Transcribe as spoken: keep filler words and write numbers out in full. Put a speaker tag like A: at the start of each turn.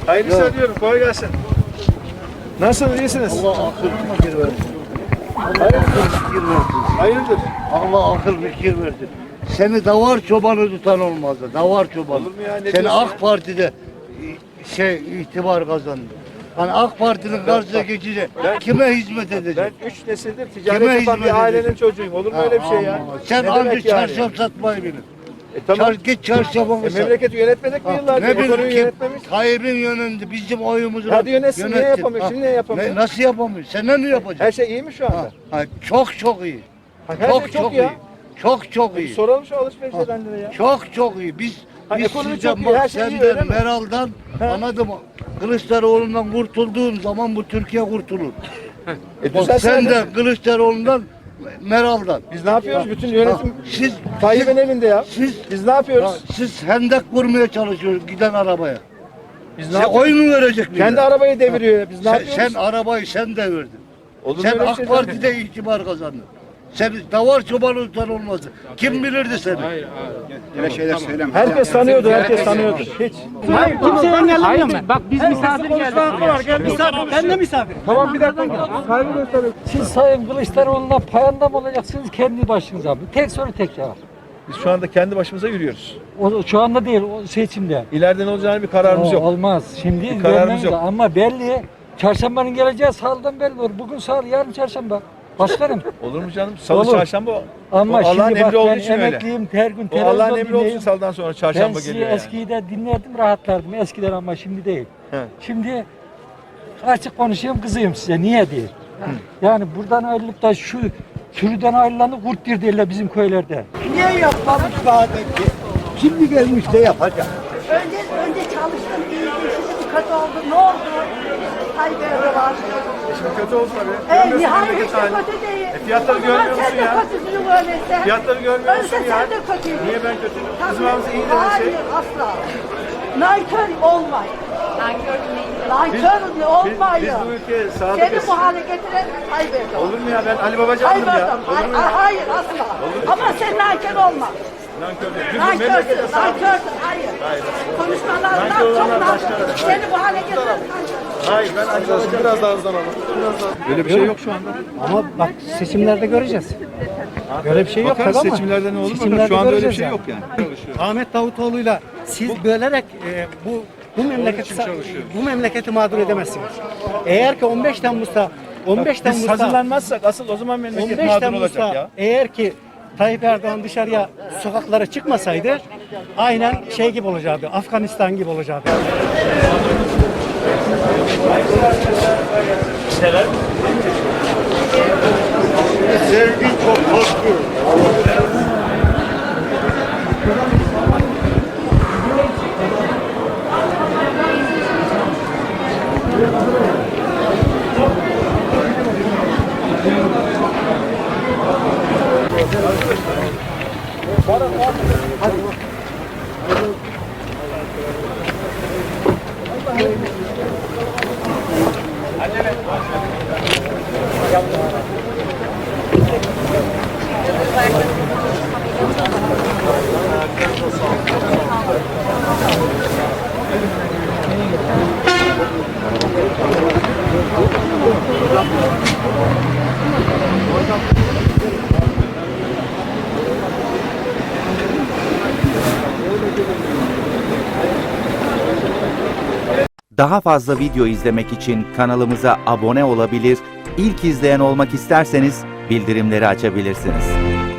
A: Hayırlı işler diyorum. Kolay gelsin. Nasılsınız? İyisiniz?
B: Allah akıl fikir versin.
A: Hayırdır?
B: Fikir versin.
A: Hayırdır?
B: Allah akıl fikir versin. Seni davar çobanı tutan olmazdı. Davar çobanı.
A: Olur mu ya? Ne
B: Seni
A: diyorsun
B: AK
A: ya?
B: Parti'de şey itibar kazandı. Hani AK Parti'nin karşısına geçince kime hizmet edecek?
A: Ben üç nesildir ticaret
B: Kime
A: yapan
B: hizmet
A: bir ailenin
B: edecek?
A: çocuğuyum. Olur mu öyle bir şey ya?
B: Aman. Sen
A: Ne
B: anca
A: demek yani?
B: çarşaf satmayı bilin.
A: E tamam.
B: Çar, git çarşafını
A: E,
B: sat.
A: memleketi yönetmedik mi
B: Ha,
A: yıllardır?
B: ne
A: Ekonomiyi
B: bileyim kim?
A: yönetmemiş.
B: Tayyip'in yönünde bizim oyumuzu
A: Hadi yönetsin, niye
B: yönettin.
A: yapamıyor?
B: Ha,
A: Şimdi niye yapamıyor?
B: ne- nasıl yapamıyor? Sen ne yapacaksın?
A: Her şey iyi mi şu anda?
B: Ha, ha, çok çok iyi.
A: Ha, her
B: çok
A: şey çok
B: çok
A: iyi ya.
B: iyi. Çok çok
A: Bir
B: iyi.
A: soralım şu alışveriş edenlere ya.
B: Çok çok iyi. Biz
A: Ha,
B: biz
A: ekonomi
B: sizden
A: çok iyi,
B: bak,
A: her şey iyi,
B: senden,
A: öyle mi?
B: Meral'dan
A: Ha.
B: anladım. Kılıçdaroğlu'ndan kurtulduğun zaman bu Türkiye kurtulur.
A: E
B: Bak
A: düzelsin
B: sen de
A: hadi.
B: Kılıçdaroğlu'ndan, Meral'dan.
A: Biz ne yapıyoruz? Bütün
B: Ha,
A: yönetim
B: siz
A: Tayyip'in elinde ya.
B: siz
A: Biz ne
B: ha,
A: yapıyoruz?
B: siz hendek vurmaya çalışıyorsunuz giden arabaya.
A: Biz ne
B: Sen
A: yapıyoruz?
B: oy mu verecek millet?
A: Kendi arabayı deviriyor ya. Biz ne
B: sen,
A: yapıyoruz?
B: sen arabayı sen de verdin.
A: Olur mu
B: Sen
A: öyle
B: AK
A: şey?
B: Parti'de itibar kazandın. Sen davar çobanı tutan olmazdı. Kim bilirdi seni?
C: Öyle şeyler söyleme.
A: Herkes tanıyordu, herkes tanıyordu. Hiç.
D: Hayır, kimse engellemiyor ben. Bak biz misafir geldik.
E: Misafir, ben de misafir.
A: Tamam bir dakika. Saygı gösteriyorum.
D: Siz Sayın Kılıçdaroğlu'na payanda mı olacaksınız kendi başınıza mı? Tek soru tek cevap.
A: Biz şu anda kendi başımıza yürüyoruz.
D: O, şu anda değil, o seçimde.
A: İleride ne olacağını bir kararımız
D: O,
A: yok.
D: Olmaz. Şimdi
A: Bir kararımız
D: vermemiz
A: yok.
D: lazım. Ama belli. Çarşambanın geleceği salıdan belli olur. Bugün salı, yarın çarşamba. Başlarım.
A: Olur mu canım? Salı
D: Olur.
A: çarşamba o.
D: Ama
A: O Allah'ın
D: şimdi bak
A: emri olduğu
D: ben
A: için öyle.
D: emekliyim, her gün
A: O
D: televizyon
A: Allah'ın emri olduğu için
D: dinleyeyim.
A: salıdan sonra
D: Ben
A: çarşamba
D: sizi
A: geliyor yani.
D: eskiyi de dinlerdim, rahatlardım. Eskiden ama şimdi değil.
A: He.
D: Şimdi açık konuşayım, kızıyım size. Niye değil? Yani buradan ayrılıp da şu sürüden ayrılanı kurttir derler bizim köylerde.
E: Niye yapmamış daha önce? Şimdi gelmiş de yapacak.
F: Önce, önce çalıştım, iyiydi, şimdi kötü oldu. Ne oldu? Tayyip Erdoğan.
A: Şimdi kötü oldu tabii.
F: E,
A: Görmüyorsun
F: nihayet
A: memleket
F: hiç de
A: halini.
F: kötü değil.
A: E, fiyatları
F: O zaman
A: görmüyor musun
F: sen de
A: ya?
F: kötüsün öyleyse.
A: Fiyatları görmüyor musun
F: Öyleyse
A: ya?
F: sen de kötüydün.
A: Niye ben kötüyüm?
F: Tabii.
A: Bizim ağzımız iyi dedi
F: Hayır,
A: şey.
F: asla. Nankör olmayın. Nankör Nankör
A: Biz,
F: olmayın.
A: biz bu ülkeye
F: Seni
A: sadıkız.
F: bu hale getiren Tayyip Erdoğan.
A: Olur mu ya? Ben Ali Babacan'dım
F: Tayyip
A: ya.
F: Erdoğan.
A: Olur mu
F: Hayır,
A: ya?
F: hayır asla. Ama sen nankör olma.
A: Nankör değil. Biz bu memlekete
F: Nankörsün,
A: sadıkız.
F: nankörsün. Hayır. Konuşmalarından
A: Nankör
F: çok
A: olanlar
F: nankör.
A: başkaları.
F: Seni bu hale getiren nankör.
A: Hayır ben Ali Babacan. Biraz daha hızlanalım. Biraz daha. Böyle bir şey yok şu anda.
E: Ama bak seçimlerde göreceğiz. Böyle bir şey yok
A: Bakarız
E: tabii ama
A: seçimlerde ne olur bakalım.
E: seçimlerde
A: Şu anda öyle bir
E: göreceğiz
A: şey yok yani.
E: Ahmet Davutoğlu'yla siz bölerek e, bu bu memleketi bu memleketi mağdur edemezsiniz. Eğer ki on beş Temmuz'da on beş
A: Biz
E: Temmuz'da
A: hazırlanmazsak asıl o zaman memleket
E: on beş
A: mağdur
E: Temmuz'da
A: olacak ya.
E: eğer ki Tayyip Erdoğan dışarıya sokaklara çıkmasaydı aynen şey gibi olacaktı. Afganistan gibi olacaktı.
B: Sevgi çok haklı.
G: Daha fazla video izlemek için kanalımıza abone olabilir, ilk izleyen olmak isterseniz bildirimleri açabilirsiniz.